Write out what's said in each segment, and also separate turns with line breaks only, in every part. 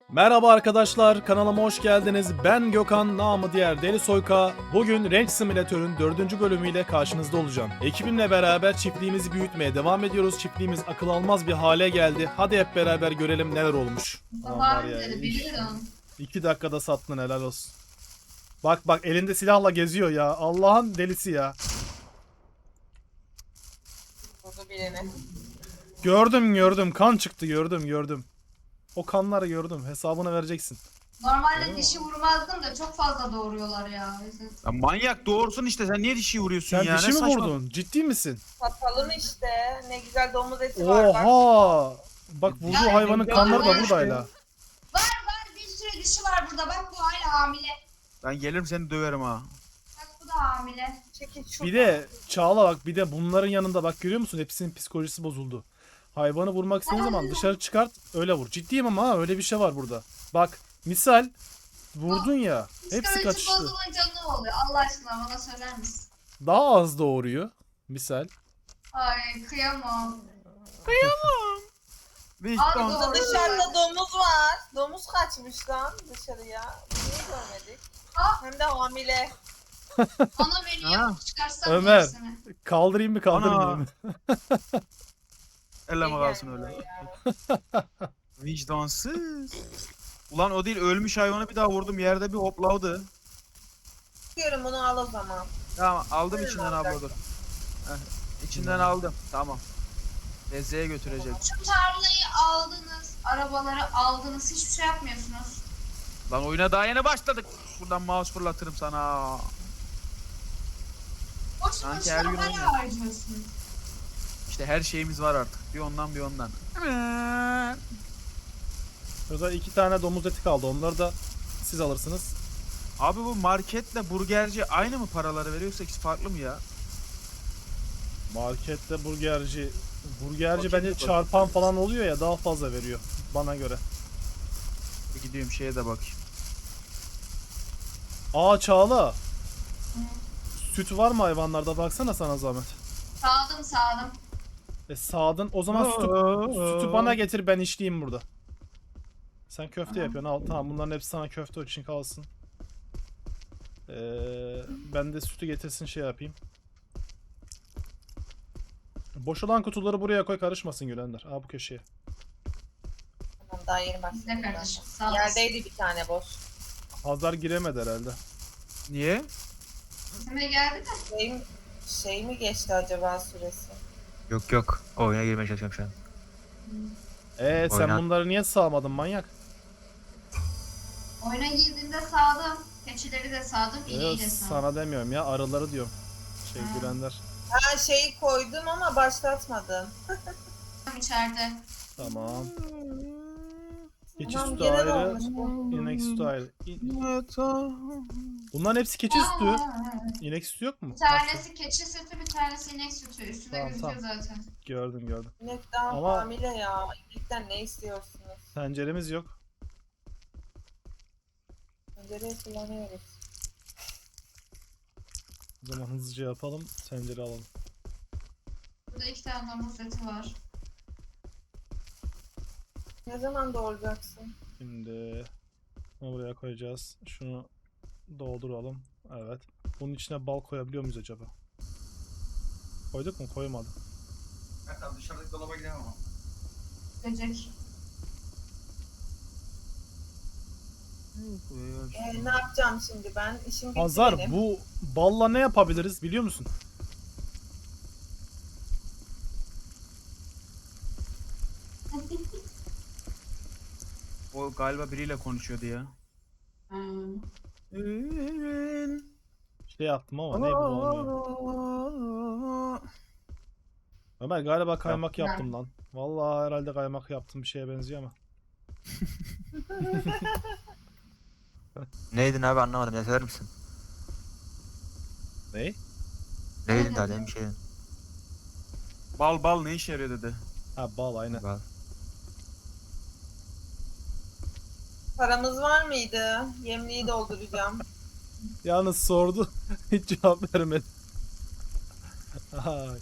Merhaba arkadaşlar, kanalıma hoş geldiniz. Ben Gökhan, namı diğer Deli Soyka. Bugün Ranch Simulator'ın 4. bölümüyle karşınızda olacağım. Ekibimle beraber çiftliğimizi büyütmeye devam ediyoruz. Çiftliğimiz akıl almaz bir hale geldi. Hadi hep beraber görelim neler olmuş. Aman var ya,
Biliyorum.
2 dakikada sattın, helal olsun. Bak bak, elinde silahla geziyor ya. Allah'ın delisi ya.
Burada birini.
Gördüm, kan çıktı, gördüm. O kanları gördüm, hesabını vereceksin.
Normalde dişi vurmazdım da çok fazla doğuruyorlar ya.
Ya manyak doğursun işte, sen niye dişi vuruyorsun
Sen
ya?
dişi
Ne
mi
saçma-
vurdun? Ciddi misin?
Satalım işte. Ne güzel domuz eti var bak.
Oha! Bak vurduğu
Ya,
hayvanın
ya,
kanları da
ya.
buradayla.
Var bir sürü dişi var burada. Bak bu hala hamile.
Ben gelirim seni döverim ha.
Bak bu da hamile.
Çekil şu.
Bir de Çağla bak, bir de bunların yanında bak, görüyor musun? Hepsinin psikolojisi bozuldu. Hayvanı vurmak istediğin zaman dışarı çıkart, öyle vur. Ciddiyim ama ha, öyle bir şey var burada. Bak misal vurdun ya, hepsi
Psikoloji
kaçıştı.
bozulunca ne oluyor? Allah aşkına bana söyler misin?
Daha az doğuruyor misal.
Ay kıyamam.
Vicdan.
Abi,
Burada dışarıda domuz var. Domuz kaçmış lan dışarıya. Niye görmedik?
Aa.
Hem de hamile.
Ona beni
Ha.
yapıp çıkarsam
Ömer.
hepsini.
Kaldırayım mı kaldırmayayım mı?
Elleme
İyi
kalsın
gelmiyor
öyle.
ya.
Vicdansız. Ulan o değil, ölmüş hayvanı bir daha vurdum, yerde bir hoplavdı.
Diyorum bunu al o zaman.
Tamam aldım
Öyle
içinden
olacak.
abla dur. Heh, içinden aldım, tamam. Lezzeye götürecek.
Şu tarlayı aldınız. Arabaları aldınız. Hiçbir şey yapmıyorsunuz.
Lan oyuna daha yeni başladık. Buradan mouse fırlatırım sana.
Boş
Sanki her
boşuna
gün
para
oynuyor.
harcıyorsunuz.
İşte her şeyimiz var artık. Bir ondan bir ondan.
Burada 2 tane domuz eti kaldı, onları da siz alırsınız.
Abi bu marketle burgerci aynı mı paraları veriyorsa, ikisi farklı mı ya?
Markette burgerci
Bakayım
bence
bir
çarpan falan oluyor ya, daha fazla veriyor bana göre.
Bir gidiyorum şeye de bakayım.
Aa Çağla. Süt var mı hayvanlarda, baksana sana zahmet.
Sağdım.
Sağdın, o zaman sütü bana getir, ben işleyeyim burada. Sen köfte yapıyorsun, al tamam, bunların hepsi sana köfte için kalsın. Ben de sütü getirsin, şey yapayım. Boş olan kutuları buraya koy, karışmasın Gülender. Aa, bu köşeye.
Tamam daha yeni
Ne
başladım.
kardeşim? Sağ olasın.
Yerdeydi bir tane boş.
Hazar giremedi herhalde.
Niye?
Kime geldi de?
Şey mi geçti acaba süresi?
Yok. Oyuna girmeye çalışıyorum şu an.
Sen
Oyna.
bunları niye sağmadın manyak?
Oyuna girdiğimde sağdım. Keçileri de sağdım. İneği de sağdım.
Sana demiyorum ya, arıları diyorum. Şey
Ha.
Gülender.
Ha şeyi koydum ama başlatmadım.
İçeride.
Tamam. Keçi
Tamam
sütü
genel
ayrı,
olmuş bu.
inek sütü ayrı. Bunların hepsi keçi sütü. İnek sütü yok mu?
Bir tanesi keçi sütü, bir tanesi inek sütü. Üstünde
Tamam,
gözüküyor zaten.
Gördüm.
İnek daha
Ama-
hamile ya. İnekten ne istiyorsunuz?
Tenceremiz yok.
Tencereyi kullanıyoruz.
O zaman hızlıca yapalım. Tencere alalım.
Burada 2 tane domuz eti var.
Ne zaman doğuracaksın?
Şimdi bunu buraya koyacağız. Şunu dolduralım. Evet. Bunun içine bal koyabiliyor muyuz acaba? Koyduk mu? Koymadık.
Tamam, dışarıdaki dolaba gidelim ama.
Böcek.
Ne yapacağım şimdi ben? İşim bitti
Hazar,
benim.
bu balla ne yapabiliriz biliyor musun?
O galiba biriyle konuşuyordu ya.
Hmm.
Şey yaptım ama ne bu olmuyor. Ömer galiba kaymak yaptım lan. Vallahi herhalde kaymak yaptım, bir şeye benziyor ama.
Neydin abi, anlamadım ya, söyler misin?
Ne?
Neydin daha demin bir şeydin.
Bal ne işe yarıyor dedi.
Ha, bal aynen.
Bak.
Paramız var mıydı? Yemliği dolduracağım.
Yalnız sordu. Hiç cevap vermedi. Ay.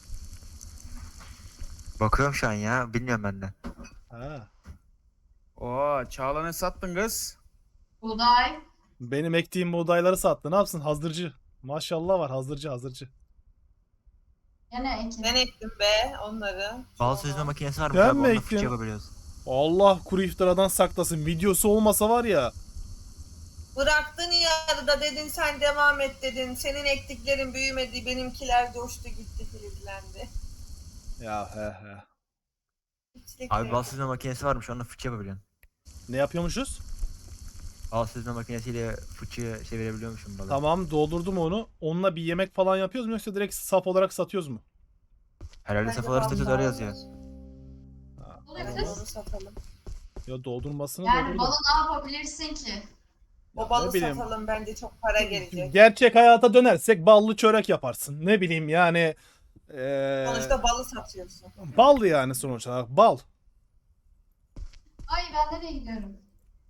Bakıyorum şu an ya, bilmiyorum ben de.
Ha.
O Oo, Çağla ne sattın kız?
Buğday.
Benim ektiğim buğdayları sattı. Ne yapsın? Hazırcı. Maşallah var. Hazırcı.
Gene ekin.
Ben ektim be onları.
Bal
Sonra.
süzme makinesi varmış
Ben
abi.
mi
Onunla
ektim?
fıçı yapabiliyoruz.
Allah kuru iftiradan saklasın. Videosu olmasa var ya.
Bıraktın yarıda dedin sen devam et dedin. Senin ektiklerin büyümedi, benimkiler coştu gitti filizlendi.
Ya he.
İçlik
Abi
yok.
bal süzme makinesi varmış. Onunla fıçı yapabiliyorsun.
Ne yapıyormuşuz?
Bal süzme makinesiyle fıçı çevirebiliyormuşum balı.
Tamam doldurdum onu. Onunla bir yemek falan yapıyoruz mu yoksa direkt saf olarak satıyoruz mu?
Herhalde
Bence
safaları
bal
statüsü öyle yazıyor.
Oluyor
Evet,
kız.
onu satalım.
Ya doldurmasını
Yani
doldurdum.
balı ne yapabilirsin ki?
O balı
ne bileyim.
satalım bence çok para gelecek.
Gerçek hayata dönersek ballı çörek yaparsın. Ne bileyim yani.
Sonuçta balı satıyorsun.
Bal yani sonuç olarak bal.
Ay ben nereye gidiyorum?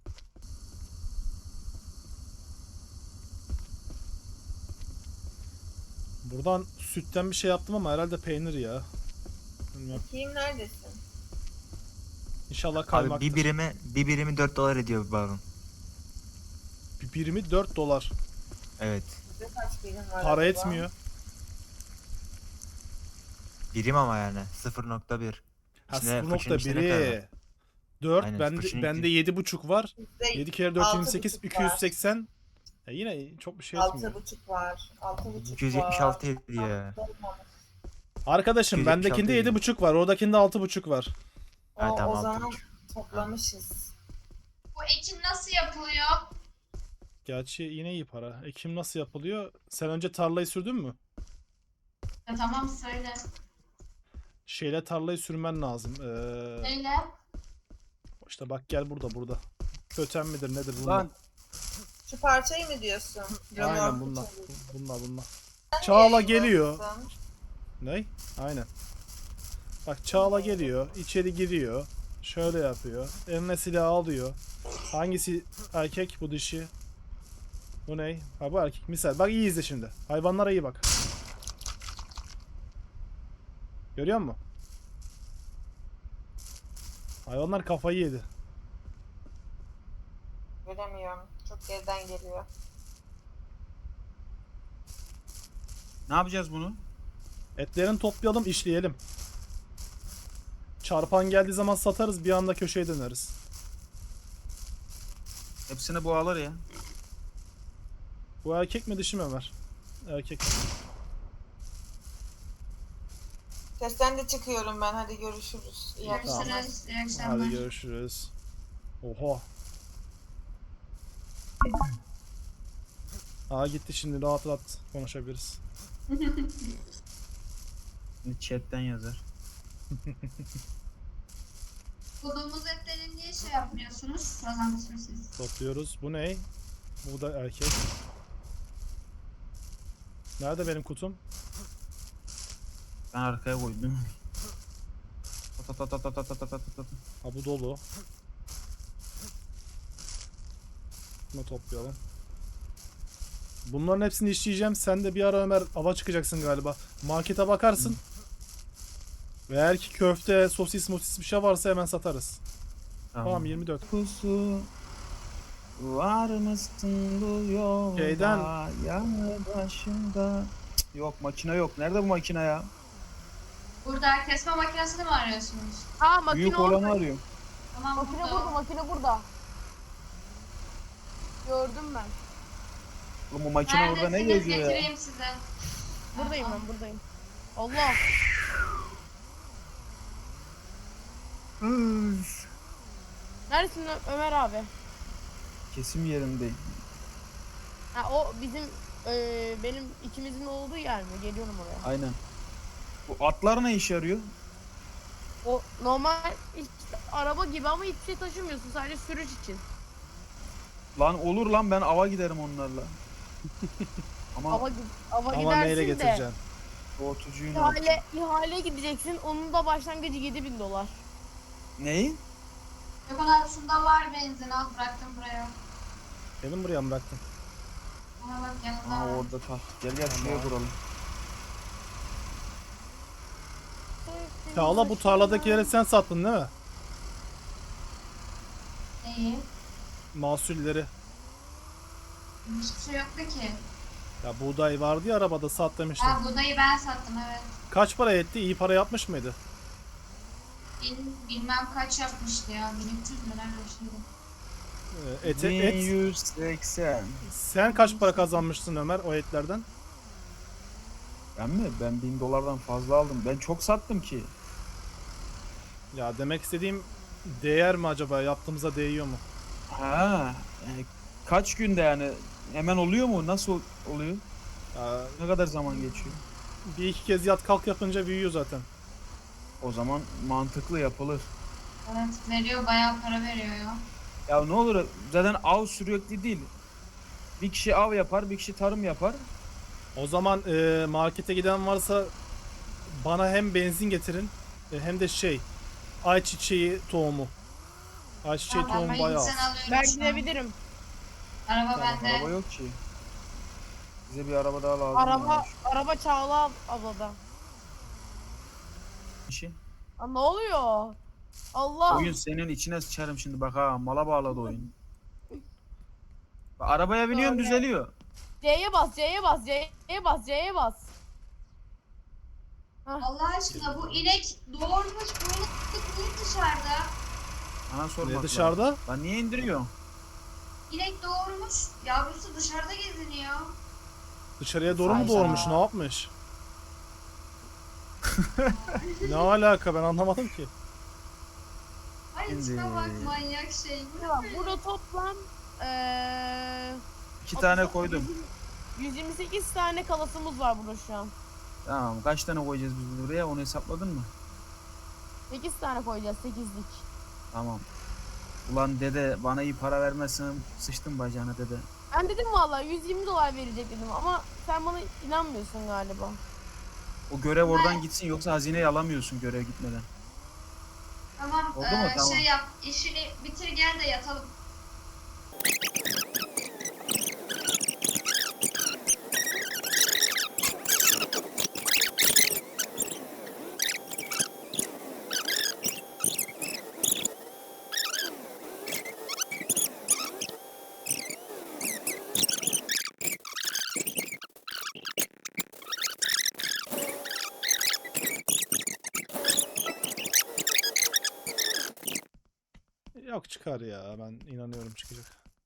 Buradan sütten bir şey yaptım ama herhalde peynir ya. Bilmiyorum.
Kim neredesin?
İnşallah
Abi
kaymaktır.
bir birimi 4 dolar ediyor bir balın.
Bir birimi 4 dolar.
Evet.
Bizde kaç birim var
Para
acaba?
etmiyor.
Birim ama yani 0.1.
Ha
İçine fıçının içinde ne kadar var?
0.1'i. 4
Aynen,
bende
fıçının
bende 7,5 var.
Bizde
7 kere 4
altı
28
buçuk var.
280. Yine çok bir şey etmiyor.
6,5 var. 6,5
276
var.
hediye.
Arkadaşım
276
bendekinde
değil.
7,5 var. Oradakinde 6,5 var.
Ha,
O
tamam,
zaman
6,5.
toplamışız.
Bu ekin nasıl yapılıyor?
Gerçi yine iyi para. Ekim nasıl yapılıyor? Sen önce tarlayı sürdün mü?
Ya tamam söyle.
Şeyle tarlayı sürmen lazım.
Neyle?
İşte bak gel burada. Köten midir nedir bunlar?
Lan
Şu parçayı mı diyorsun?
Aynen
Römork
bunlar.
için.
Bunlar. Çağla
Niye
geliyor.
yiyorsun?
Ne? Aynen. Bak Çağla geliyor. İçeri giriyor. Şöyle yapıyor. Eline silah alıyor. Hangisi erkek bu dişi? Bu ne? Ha bu erkek. Misal. Bak iyi izle şimdi. Hayvanlara iyi bak. Görüyor musun? Hayvanlar kafayı yedi.
Göremiyorum. Çok geriden geliyor.
ne yapacağız bunu?
Etlerini toplayalım, işleyelim. Çarpan geldiği zaman satarız, bir anda köşeye döneriz.
Hepsini bu alır ya.
Bu erkek mi dişi mi Ömer? Erkek.
Testten de çıkıyorum ben. Hadi görüşürüz. İyi akşamlar.
Görüşürüz. İyi akşamlar.
Hadi görüşürüz. Oha. Aa gitti şimdi rahat rahat konuşabiliriz.
Şimdi chatten yazar.
Bulduğumuz etleri niye şey yapmıyorsunuz? Kazanmışsınız siz.
Topluyoruz. Bu ne? Bu da erkek. Nerede benim kutum?
Ben arkaya koydum. Ta ta ta ta ta ta ta ta ta ta.
Ha bu dolu. Bunu toplayalım. Bunların hepsini işleyeceğim. Sen de bir ara Ömer ava çıkacaksın galiba. Markete bakarsın. Ve eğer ki köfte, sosis, mosis bir şey varsa hemen satarız. Tamam 24.
Kusu var mısın bu yolda?
Şeyden-
Yanı başında. Cık, yok makine yok. Nerede bu makine ya?
Burada kesme makinesini mi arıyorsunuz?
Aa makine
Büyük
orada.
olanı arıyorum.
Tamam
Makine
burada.
burada, makine burada. Gördüm ben.
Oğlum bu makine orada ne
Neredesiniz?
geziyor ya?
Getireyim size.
Buradayım ben, buradayım. Allah. Neredesin Ömer abi?
Kesim yerindeyim.
Ha o bizim benim ikimizin olduğu yer mi? Geliyorum oraya.
Aynen. Bu atlar ne işe yarıyor?
O normal işte araba gibi ama hiçbir şey taşımıyorsun, sadece sürüş için.
Lan olur lan ben ava giderim onlarla. Ama
Ava
Ama
gidersin
neyle
de
getireceksin?
soğutucuyu ne yapacağım?
ihale gideceksin. Onun da başlangıcı 7.000 dolar.
Neyi?
Gökhan abi şunda var benzin al bıraktım buraya.
Benim buraya mı bıraktın?
Ona bak yanında
Aa
var.
orada ta. Gel gel şuraya kuralım.
Çağla bu tarladakileri sen sattın değil mi?
Neyi?
Mahsulleri.
Hiçbir şey yoktu ki.
Ya buğday vardı ya arabada sat demiştim.
Ha buğdayı ben sattım evet.
Kaç para etti? İyi para yapmış mıydı?
Bilmem kaç yapmıştı ya. 1300 lira bir şeydi.
Et.
1180.
Sen kaç para kazanmışsın Ömer o etlerden?
Ben mi? Ben 1000 dolardan fazla aldım. Ben çok sattım ki.
Ya demek istediğim değer mi acaba? Yaptığımıza değiyor mu?
Ha, kaç günde yani? Hemen oluyor mu? Nasıl oluyor?
Ya,
Ne kadar zaman geçiyor?
bir iki kez yat kalk yapınca büyüyor zaten.
O zaman mantıklı yapılır.
Evet veriyor bayağı para veriyor ya.
Ya ne olur zaten av sürekli değil. Bir kişi av yapar, bir kişi tarım yapar.
O zaman markete giden varsa bana hem benzin getirin hem de ayçiçeği tohumu. Ayçiçeği
Tamam
tohumu
ben
bayağı
gitsen
az.
alıyorum
Ben
şu an.
gidebilirim.
Araba
Tamam,
bende.
Araba yok ki. Bize bir araba daha lazım.
Araba Çağla ablada.
İşi.
Aa, ne oluyor? Allah.
Oyun senin içine sıçarım şimdi bak ha. Mala bağladı oyun. Bak, arabaya biniyorum
Öyle.
düzeliyor.
C'ye bas, C'ye bas, C'ye bas, C'ye bas.
Allah aşkına bu inek doğurmuş bunu dışarıda.
Bana sormak
Ne
lazım.
dışarıda?
Lan niye indiriyorsun?
İnek doğurmuş yavrusu dışarıda geziniyor.
Dışarıya doğru mu
Hayda.
doğurmuş? Ne yapmış? Ne alaka ben anlamadım ki.
Ay
Şimdi-
içine bak manyak şey.
Bak, burada toplam
2 tane koydum.
128 tane kalasımız var burada şu an.
Tamam kaç tane koyacağız biz buraya onu hesapladın mı?
8 tane koyacağız, 8'lik.
Tamam. Ulan dede bana iyi para vermezsen sıçtım bacağına dede.
Ben dedim vallahi 120 dolar verecek dedim ama sen bana inanmıyorsun galiba.
O görev oradan gitsin yoksa hazineyi alamıyorsun görev gitmeden.
Tamam,
Oldu mu? Tamam.
şey yap işini bitir gel de yatalım.
Yok çıkar ya ben inanıyorum çıkacak.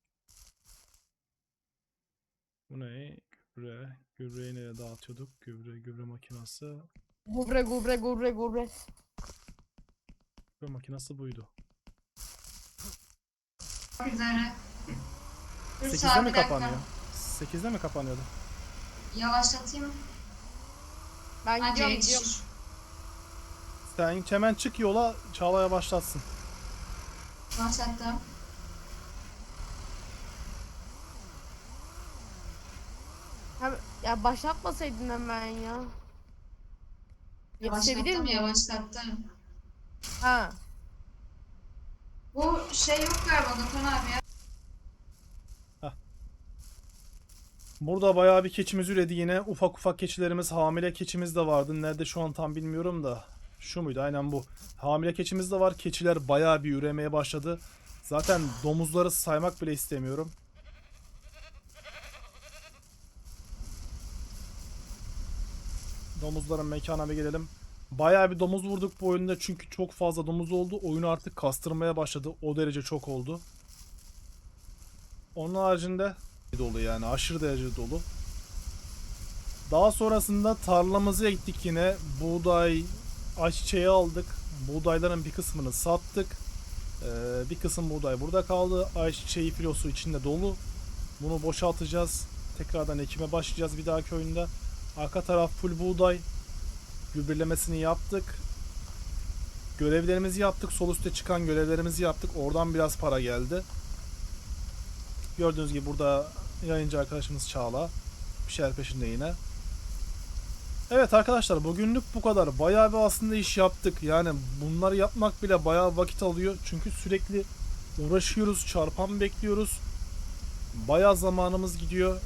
Bu ne? Gübre. Gübreyi nereye dağıtıyorduk? Gübre makinası.
Gübre.
Gübre makinası buydu.
Çok üzere. Dur
8'de
sağa
mi
bir dakika.
kapanıyor? 8'de mi kapanıyordu?
Yavaşlatayım.
Ben
Anca
gidiyorum.
yetişir.
Sen hemen çık yola Çağla'ya başlatsın.
Başlattım.
Ya başlatmasaydın hemen ya. Yetişebilir
Yavaşlattım
miyim?
yavaşlattım.
Ha.
Bu şey yok galiba Gökhan abi ya.
Burada bayağı bir keçimiz üredi yine. Ufak ufak keçilerimiz, hamile keçimiz de vardı. Nerede şu an tam bilmiyorum da. Şu muydu? Aynen bu. Hamile keçimiz de var. Keçiler bayağı bir üremeye başladı. Zaten domuzları saymak bile istemiyorum. Domuzların mekana bir gelelim. Bayağı bir domuz vurduk bu oyunda çünkü çok fazla domuz oldu. Oyunu artık kastırmaya başladı. O derece çok oldu. Onun haricinde dolu yani aşırı derece dolu. Daha sonrasında tarlamıza gittik yine. Buğday, ayçiçeği aldık. Buğdayların bir kısmını sattık. Bir kısım buğday burada kaldı. Ayçiçeği filosu içinde dolu. Bunu boşaltacağız. Tekrardan ekime başlayacağız bir dahaki oyunda. Arka taraf full buğday. Gübrelemesini yaptık. Görevlerimizi yaptık. Sol üstte çıkan görevlerimizi yaptık. Oradan biraz para geldi. Gördüğünüz gibi burada yayıncı arkadaşımız Çağla. Bir şeyler peşinde yine. Evet arkadaşlar bugünlük bu kadar. Bayağı bir aslında iş yaptık. Yani bunları yapmak bile bayağı vakit alıyor. Çünkü sürekli uğraşıyoruz. Çarpan bekliyoruz. Bayağı zamanımız gidiyor.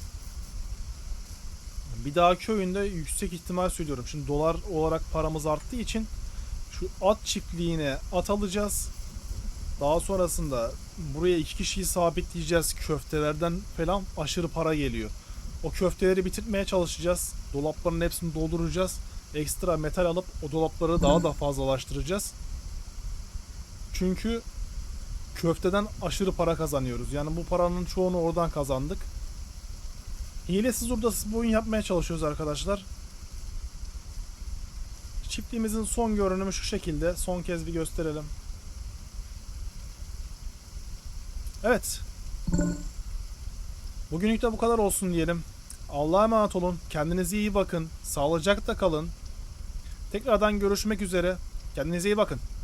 Bir dahaki oyunda yüksek ihtimal söylüyorum. Şimdi dolar olarak paramız arttığı için şu at çiftliğine at alacağız. Daha sonrasında buraya 2 kişiyi sabitleyeceğiz. Köftelerden falan aşırı para geliyor. O köfteleri bitirmeye çalışacağız. Dolapların hepsini dolduracağız. Ekstra metal alıp o dolapları daha da fazlalaştıracağız. Çünkü köfteden aşırı para kazanıyoruz. Yani bu paranın çoğunu oradan kazandık. Hilesiz hurdasız bir oyun yapmaya çalışıyoruz arkadaşlar. Çiftliğimizin son görünümü şu şekilde. Son kez bir gösterelim. Evet. Bugünlük de bu kadar olsun diyelim. Allah'a emanet olun. Kendinize iyi bakın. Sağlıcakla kalın. Tekrardan görüşmek üzere. Kendinize iyi bakın.